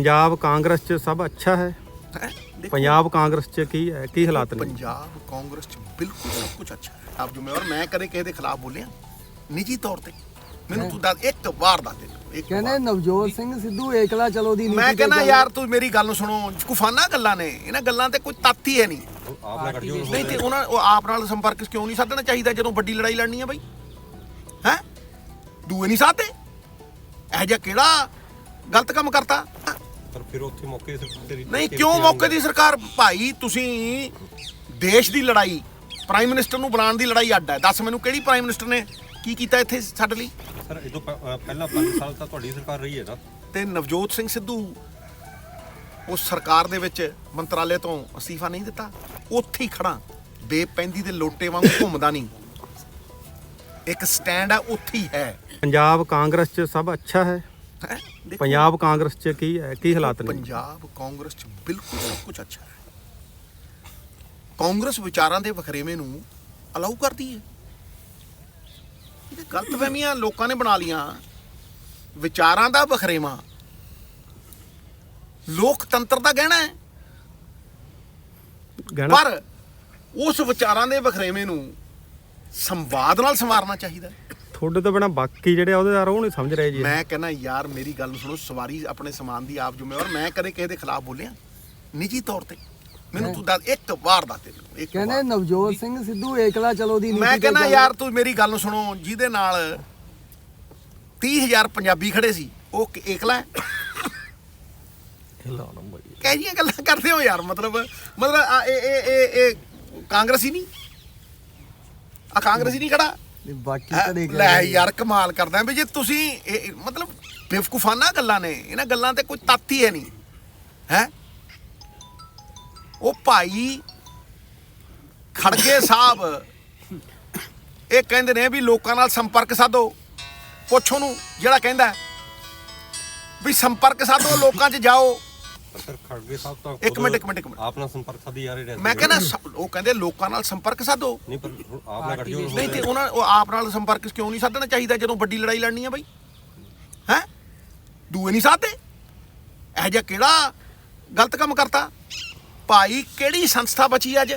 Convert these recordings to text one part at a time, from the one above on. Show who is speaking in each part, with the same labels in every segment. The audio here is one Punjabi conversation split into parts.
Speaker 1: पंजाब कांग्रेस च सब अच्छा है। पंजाब कांग्रेस च की हालात ने?
Speaker 2: पंजाब कांग्रेस च बिल्कुल सब कुछ अच्छा है। आप जिम्मेवार मैं कदे किसी के खिलाफ बोलिया निजी तौर ते मैनू तू दस एक वार दस दे
Speaker 3: कहने नवजोत सिंह सिद्धू एकला चलो दी
Speaker 2: मैं कहना यार तू मेरी गल सुनो कुफाना गल्लां ने इन्हां गल्लां ते कोई तत्त ही है नहीं नहीं ते उन्हां आप नाल संपर्क क्यों नहीं साधना चाहिए ਜਦੋਂ ਵੱਡੀ ਲੜਾਈ ਲੜਨੀ ਹੈ ਬਈ ਹੈ ਦੂਏ ਨਹੀਂ ਸਾਧਦੇ ਇਹ ਜਿਹਾ ਕਿਹੜਾ ਗਲਤ ਕੰਮ ਕਰਤਾ
Speaker 4: ਪਰ ਫਿਰ ਉੱਥੇ ਮੌਕੇ ਤੇ
Speaker 2: ਨਹੀਂ ਕਿਉਂ ਮੌਕੇ ਦੀ ਸਰਕਾਰ ਭਾਈ ਤੁਸੀਂ ਦੇਸ਼ ਦੀ ਲੜਾਈ ਪ੍ਰਾਈਮ ਮਿਨਿਸਟਰ ਨੂੰ ਬਣਾਉਣ ਦੀ ਲੜਾਈ ਅੱਡ ਹੈ ਦੱਸ ਮੈਨੂੰ ਕਿਹੜੀ ਪ੍ਰਾਈਮ ਮਿਨਿਸਟਰ ਨੇ ਕੀ ਕੀਤਾ ਇੱਥੇ ਸਾਡੇ ਲਈ
Speaker 4: ਸਰ ਇਹ ਤੋਂ ਪਹਿਲਾਂ 5 ਸਾਲ ਤਾਂ ਤੁਹਾਡੀ ਸਰਕਾਰ ਰਹੀ ਹੈ ਨਾ
Speaker 2: ਤੇ ਨਵਜੋਤ ਸਿੰਘ ਸਿੱਧੂ ਉਸ ਸਰਕਾਰ ਦੇ ਵਿੱਚ ਮੰਤਰਾਲੇ ਤੋਂ ਅਸਤੀਫਾ ਨਹੀਂ ਦਿੱਤਾ ਉੱਥੇ ਹੀ ਖੜਾ ਬੇਪੈਂਦੀ ਦੇ ਲੋਟੇ ਵਾਂਗ ਘੁੰਮਦਾ ਨਹੀਂ ਇੱਕ ਸਟੈਂਡ ਹੈ ਉੱਥੇ ਹੀ ਹੈ
Speaker 1: पंजाब कांग्रेस च सब अच्छा है। पंजाब कांग्रेस च की हालात ने?
Speaker 2: ਪੰਜਾਬ ਕਾਂਗਰਸ ਚ ਬਿਲਕੁਲ ਸਭ ਕੁਝ ਅੱਛਾ ਹੈ ਕਾਂਗਰਸ ਵਿਚਾਰਾਂ ਦੇ ਵਖਰੇਵੇਂ ਨੂੰ ਅਲਾਉ ਕਰਦੀ ਹੈ ਇਹ ਗਲਤਫਹਿਮੀਆਂ ਲੋਕਾਂ ਨੇ ਬਣਾ ਲੀਆਂ ਵਿਚਾਰਾਂ ਦਾ ਵਖਰੇਵਾਂ ਲੋਕਤੰਤਰ ਦਾ ਗਹਿਣਾ ਹੈ
Speaker 1: गहना
Speaker 2: ਪਰ ਉਸ ਵਿਚਾਰਾਂ ਦੇ ਵਖਰੇਵੇਂ ਨੂੰ ਸੰਵਾਦ ਨਾਲ ਸੰਵਾਰਨਾ ਚਾਹੀਦਾ
Speaker 1: ਤੁਹਾਡੇ ਤੋਂ ਬਿਨਾ ਬਾਕੀ ਜਿਹੜੇ ਅਹੁਦੇਦਾਰ ਉਹ ਨਹੀਂ ਸਮਝ ਰਹੇ ਜੀ।
Speaker 2: ਮੈਂ ਕਹਿੰਦਾ ਯਾਰ ਮੇਰੀ ਗੱਲ ਨੂੰ ਸੁਣੋ ਸਵਾਰੀ ਆਪਣੇ ਸਮਾਨ ਦੀ ਆਪ ਜ਼ਿੰਮੇਵਾਰ ਮੈਂ ਕਦੇ ਕਿਸੇ ਦੇ ਖਿਲਾਫ ਬੋਲਿਆ ਨਿੱਜੀ ਤੌਰ ਤੇ ਮੈਨੂੰ ਤੂੰ ਦੱਸ ਇੱਕ ਵਾਰ ਦੱਸ ਦੇ
Speaker 3: ਕਹਿੰਦੇ ਨਵਜੋਤ ਸਿੰਘ ਸਿੱਧੂ ਏਕਲਾ ਚਲੋ ਦੀ
Speaker 2: ਮੈਂ ਕਹਿੰਦਾ ਯਾਰ ਤੂੰ ਮੇਰੀ ਗੱਲ ਨੂੰ ਸੁਣੋ ਜਿਹਦੇ ਨਾਲ 30,000 ਪੰਜਾਬੀ ਖੜੇ ਸੀ ਉਹ ਏਕਲਾ ਹੈ ਕਹਿ ਜੀਆਂ ਗੱਲਾਂ ਕਰਦੇ ਹੋ ਯਾਰ ਮਤਲਬ ਇਹ ਕਾਂਗਰਸੀ ਨਹੀਂ ਆ ਕਾਂਗਰਸੀ ਨਹੀਂ ਖੜਾ
Speaker 3: ਬਾਕੀ ਤਾਂ ਦੇਖ
Speaker 2: ਲੈ ਯਾਰ ਕਮਾਲ ਕਰਦਾ ਵੀ ਜੇ ਤੁਸੀਂ ਮਤਲਬ ਬੇਵਕੂਫਾਨਾ ਗੱਲਾਂ ਨੇ ਇਹਨਾਂ ਗੱਲਾਂ ਤੇ ਕੋਈ ਤੱਤ ਹੀ ਹੈ ਨਹੀਂ ਹੈ ਉਹ ਭਾਈ ਖੜਗੇ ਸਾਹਿਬ ਇਹ ਕਹਿੰਦੇ ਨੇ ਵੀ ਲੋਕਾਂ ਨਾਲ ਸੰਪਰਕ ਸਾਧੋ ਪੁੱਛ ਉਹਨੂੰ ਜਿਹੜਾ ਕਹਿੰਦਾ ਵੀ ਸੰਪਰਕ ਸਾਧੋ ਲੋਕਾਂ 'ਚ ਜਾਓ
Speaker 4: ਸਰ ਖੜਗੇ ਸਾਹਿਬ ਤਾਂ
Speaker 2: ਇੱਕ ਮਿੰਟ
Speaker 4: ਆਪ ਨਾਲ ਸੰਪਰਕ ਸਾਧੀ ਜਾ ਰਹੇ ਨੇ
Speaker 2: ਮੈਂ ਕਹਿੰਦਾ ਉਹ ਕਹਿੰਦੇ ਲੋਕਾਂ ਨਾਲ ਸੰਪਰਕ ਸਾਧੋ
Speaker 4: ਨਹੀਂ ਪਰ ਆਪ ਨਾਲ ਗੱਠਜੋੜ
Speaker 2: ਨਹੀਂ ਤੇ ਉਹਨਾਂ ਉਹ ਆਪ ਨਾਲ ਸੰਪਰਕ ਕਿਉਂ ਨਹੀਂ ਸਾਧਣਾ ਚਾਹੀਦਾ ਜਦੋਂ ਵੱਡੀ ਲੜਾਈ ਲੜਨੀ ਹੈ ਬਈ ਹੈ ਦੂਏ ਨਹੀਂ ਸਾਧਦੇ ਇਹ ਜਿਹਾ ਕਿਹੜਾ ਗਲਤ ਕੰਮ ਕਰਤਾ ਭਾਈ ਕਿਹੜੀ ਸੰਸਥਾ ਬਚੀ ਅੱਜ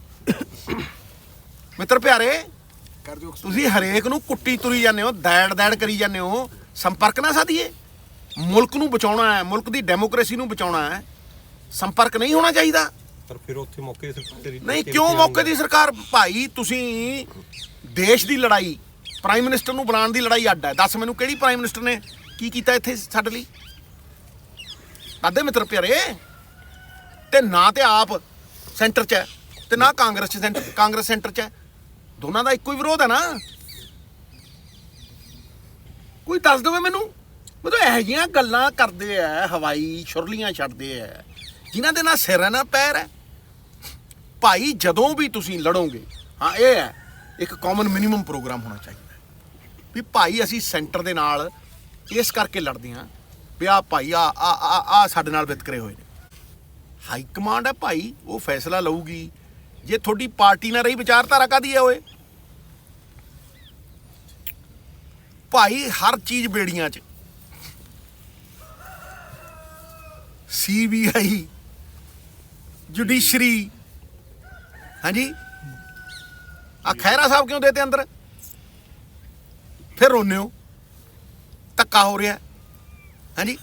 Speaker 2: ਮਿੱਤਰ ਪਿਆਰੇ ਤੁਸੀਂ ਹਰੇਕ ਨੂੰ ਕੁੱਟੀ ਤੁਰੀ ਜਾਂਦੇ ਹੋ ਦੈੜ ਕਰੀ ਜਾਂਦੇ ਹੋ ਸੰਪਰਕ ਨਾ ਸਾਧੀਏ ਮੁਲਕ ਨੂੰ ਬਚਾਉਣਾ ਹੈ ਮੁਲਕ ਦੀ ਡੈਮੋਕ੍ਰੇਸੀ ਨੂੰ ਬਚਾਉਣਾ ਹੈ ਸੰਪਰਕ ਨਹੀਂ ਹੋਣਾ ਚਾਹੀਦਾ
Speaker 4: ਪਰ ਫਿਰ ਉੱਥੇ ਮੌਕੇ ਤੇ
Speaker 2: ਨਹੀਂ ਕਿਉਂ ਮੌਕੇ ਦੀ ਸਰਕਾਰ ਭਾਈ ਤੁਸੀਂ ਦੇਸ਼ ਦੀ ਲੜਾਈ ਪ੍ਰਾਈਮ ਮਿਨਿਸਟਰ ਨੂੰ ਬਣਾਉਣ ਦੀ ਲੜਾਈ ਅੱਡ ਹੈ ਦੱਸ ਮੈਨੂੰ ਕਿਹੜੀ ਪ੍ਰਾਈਮ ਮਿਨਿਸਟਰ ਨੇ ਕੀ ਕੀਤਾ ਇੱਥੇ ਸਾਡੇ ਲਈ ਅੱਧੇ ਮਿੱਤਰ ਪਿਆਰੇ ਤੇ ਨਾ ਤੇ ਆਪ ਸੈਂਟਰ 'ਚ ਹੈ ਤੇ ਨਾ ਕਾਂਗਰਸ ਸੈਂਟਰ 'ਚ ਹੈ ਦੋਨਾਂ ਦਾ ਇੱਕੋ ਹੀ ਵਿਰੋਧ ਹੈ ਨਾ ਕੋਈ ਦੱਸ ਦੇਵੇ ਮੈਨੂੰ ਮਤਲਬ ਇਹੋ ਜਿਹੀਆਂ ਗੱਲਾਂ ਕਰਦੇ ਆ ਹਵਾਈ ਛੁਰਲੀਆਂ ਛੱਡਦੇ ਆ ਜਿਨ੍ਹਾਂ ਦੇ ਨਾਲ ਸਿਰ ਹੈ ਨਾ ਪੈਰ ਹੈ ਭਾਈ ਜਦੋਂ ਵੀ ਤੁਸੀਂ ਲੜੋਗੇ ਹਾਂ ਇਹ ਹੈ ਇੱਕ ਕਾਮਨ ਮਿਨੀਮਮ ਪ੍ਰੋਗਰਾਮ ਹੋਣਾ ਚਾਹੀਦਾ ਵੀ ਭਾਈ ਅਸੀਂ ਸੈਂਟਰ ਦੇ ਨਾਲ ਇਸ ਕਰਕੇ ਲੜਦੇ ਹਾਂ ਵੀ ਆ ਭਾਈ ਆ ਸਾਡੇ ਨਾਲ ਵਿਤਕਰੇ ਹੋਏ ਨੇ ਹਾਈ ਕਮਾਂਡ ਹੈ ਭਾਈ ਉਹ ਫੈਸਲਾ ਲਊਗੀ ਜੇ ਤੁਹਾਡੀ ਪਾਰਟੀ ਨਾਲ ਰਹੀ ਵਿਚਾਰਧਾਰਾ ਕਾਹਦੀ ਹੈ ਓਏ ਭਾਈ ਹਰ ਚੀਜ਼ ਬੇੜੀਆਂ 'ਚ CBI ਜੁਡੀਸ਼ਰੀ ਹਾਂਜੀ ਆ ਖਹਿਰਾ ਸਾਹਿਬ ਕਿਉਂ ਦੇਤੇ ਅੰਦਰ ਫਿਰ ਰੋਨੇ ਹੋ ਧੱਕਾ ਹੋ ਰਿਹਾ ਹਾਂਜੀ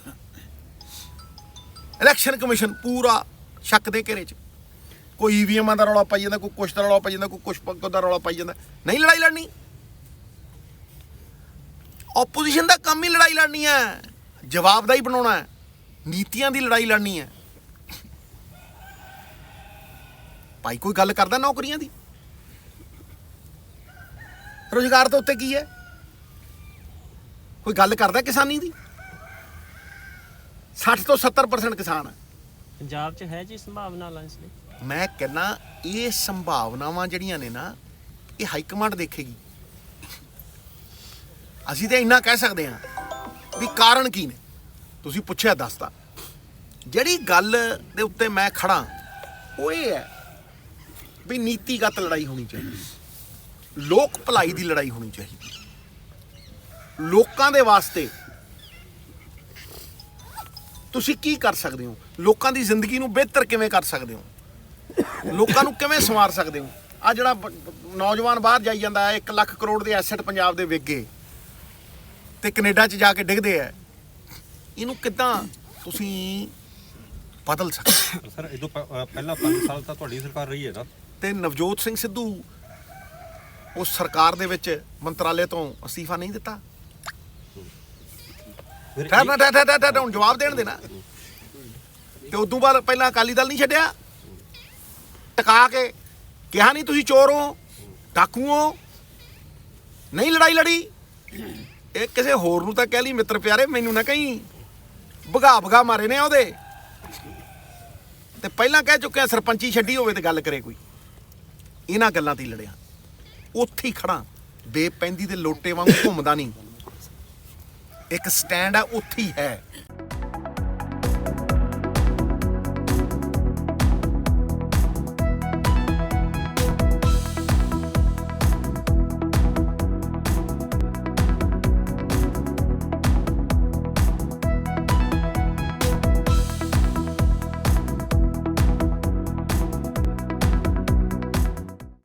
Speaker 2: ਇਲੈਕਸ਼ਨ ਕਮਿਸ਼ਨ ਪੂਰਾ ਸ਼ੱਕ ਦੇ ਘੇਰੇ 'ਚ ਕੋਈ EVMਾਂ ਦਾ ਰੌਲਾ ਪਾਈ ਜਾਂਦਾ ਕੋਈ ਕੁਛ ਦਾ ਰੌਲਾ ਪਾਈ ਜਾਂਦਾ ਕੋਈ ਕੁਛ ਦਾ ਰੌਲਾ ਪਾਈ ਜਾਂਦਾ ਨਹੀਂ ਲੜਾਈ ਲੜਨੀ ਆਪੋਜੀਸ਼ਨ ਦਾ ਕੰਮ ਹੀ ਲੜਾਈ ਲੜਨੀ ਹੈ ਜਵਾਬਦਾਈ ਬਣਾਉਣਾ ਹੈ ਨੀਤੀਆਂ ਦੀ ਲੜਾਈ ਲੜਨੀ ਹੈ ਭਾਈ ਕੋਈ ਗੱਲ ਕਰਦਾ ਨੌਕਰੀਆਂ ਦੀ ਰੁਜ਼ਗਾਰ ਦੇ ਉੱਤੇ ਕੀ ਹੈ ਕੋਈ ਗੱਲ ਕਰਦਾ ਕਿਸਾਨੀ ਦੀ 60 ਤੋਂ 70% ਕਿਸਾਨ ਹੈ
Speaker 5: ਪੰਜਾਬ 'ਚ ਹੈ ਜੀ ਸੰਭਾਵਨਾ ਲਾਂਸ ਲਈ
Speaker 2: ਮੈਂ ਕਹਿੰਦਾ ਇਹ ਸੰਭਾਵਨਾਵਾਂ ਜਿਹੜੀਆਂ ਨੇ ਨਾ ਇਹ ਹਾਈ ਕਮਾਂਡ ਦੇਖੇਗੀ ਅਸੀਂ ਤਾਂ ਇੰਨਾ ਕਹਿ ਸਕਦੇ ਹਾਂ ਵੀ ਕਾਰਨ ਕੀ ਨੇ ਤੁਸੀਂ ਪੁੱਛਿਆ ਦੱਸਦਾ ਜਿਹੜੀ ਗੱਲ ਦੇ ਉੱਤੇ ਮੈਂ ਖੜਾ ਉਹ ਇਹ ਹੈ ਵੀ ਨੀਤੀਗਤ ਲੜਾਈ ਹੋਣੀ ਚਾਹੀਦੀ ਲੋਕ ਭਲਾਈ ਦੀ ਲੜਾਈ ਹੋਣੀ ਚਾਹੀਦੀ ਲੋਕਾਂ ਦੇ ਵਾਸਤੇ ਤੁਸੀਂ ਕੀ ਕਰ ਸਕਦੇ ਹੋ? ਲੋਕਾਂ ਦੀ ਜ਼ਿੰਦਗੀ ਨੂੰ ਬਿਹਤਰ ਕਿਵੇਂ ਕਰ ਸਕਦੇ ਹੋ? ਲੋਕਾਂ ਨੂੰ ਕਿਵੇਂ ਸੰਵਾਰ ਸਕਦੇ ਹੋ? ਆ ਜਿਹੜਾ ਨੌਜਵਾਨ ਬਾਹਰ ਜਾਈ ਜਾਂਦਾ ਹੈ, 1 ਲੱਖ ਕਰੋੜ ਦੇ ਐਸੈਟ ਪੰਜਾਬ ਦੇ ਵਿਕ ਗਏ ਤੇ ਕੈਨੇਡਾ 'ਚ ਜਾ ਕੇ ਡਿੱਗਦੇ ਆ, ਇਹਨੂੰ ਕਿੱਦਾਂ ਤੁਸੀਂ ਬਦਲ ਸਕਦੇ ਹੋ?
Speaker 4: ਪਰ ਸਰ ਇਦੋਂ ਪਹਿਲਾਂ 5 ਸਾਲ ਤਾਂ ਤੁਹਾਡੀ ਸਰਕਾਰ ਰਹੀ ਹੈ ਨਾ।
Speaker 2: ਤੇ ਨਵਜੋਤ ਸਿੰਘ ਸਿੱਧੂ ਉਸ ਸਰਕਾਰ ਦੇ ਵਿੱਚ ਮੰਤਰਾਲੇ ਤੋਂ ਅਸਤੀਫਾ ਨਹੀਂ ਦਿੱਤਾ?
Speaker 4: ਫਿਰ
Speaker 2: ਠਹਿਰ ਹੁਣ ਜਵਾਬ ਦੇਣ ਦੇਣਾ। ਤੇ ਉਦੋਂ ਬਾਅਦ ਪਹਿਲਾਂ ਅਕਾਲੀ ਦਲ ਨਹੀਂ ਛੱਡਿਆ? ਟਿਕਾ ਕੇ ਕਿਹਾ ਨਹੀਂ ਤੁਸੀਂ ਚੋਰ ਹੋ, ਡਾਕੂ ਹੋ, ਨਹੀਂ ਲੜਾਈ ਲੜੀ? ਇਹ ਕਿਸੇ ਹੋਰ ਨੂੰ ਤਾਂ ਕਹਿ ਲਈ ਮਿੱਤਰ ਪਿਆਰੇ, ਮੈਨੂੰ ਨਾ ਕਹੀਂ। ਭਗਾ ਮਾਰੇ ਨੇ ਉਹਦੇ। ਤੇ ਪਹਿਲਾਂ ਕਹਿ ਚੁੱਕਿਆ ਸਰਪੰਚੀ ਛੱਡੀ ਹੋਵੇ ਤੇ ਗੱਲ ਕਰੇ ਕੋਈ। ਇਹਨਾਂ ਗੱਲਾਂ ਤੇ ਹੀ ਲੜਿਆ। ਉੱਥੇ ਹੀ ਖੜਾ, ਬੇਪੈਂਦੀ ਦੇ ਲੋਟੇ ਵਾਂਗ ਘੁੰਮਦਾ ਨਹੀਂ। ਇੱਕ ਸਟੈਂਡ ਆ, ਉੱਥੇ ਹੀ ਹੈ।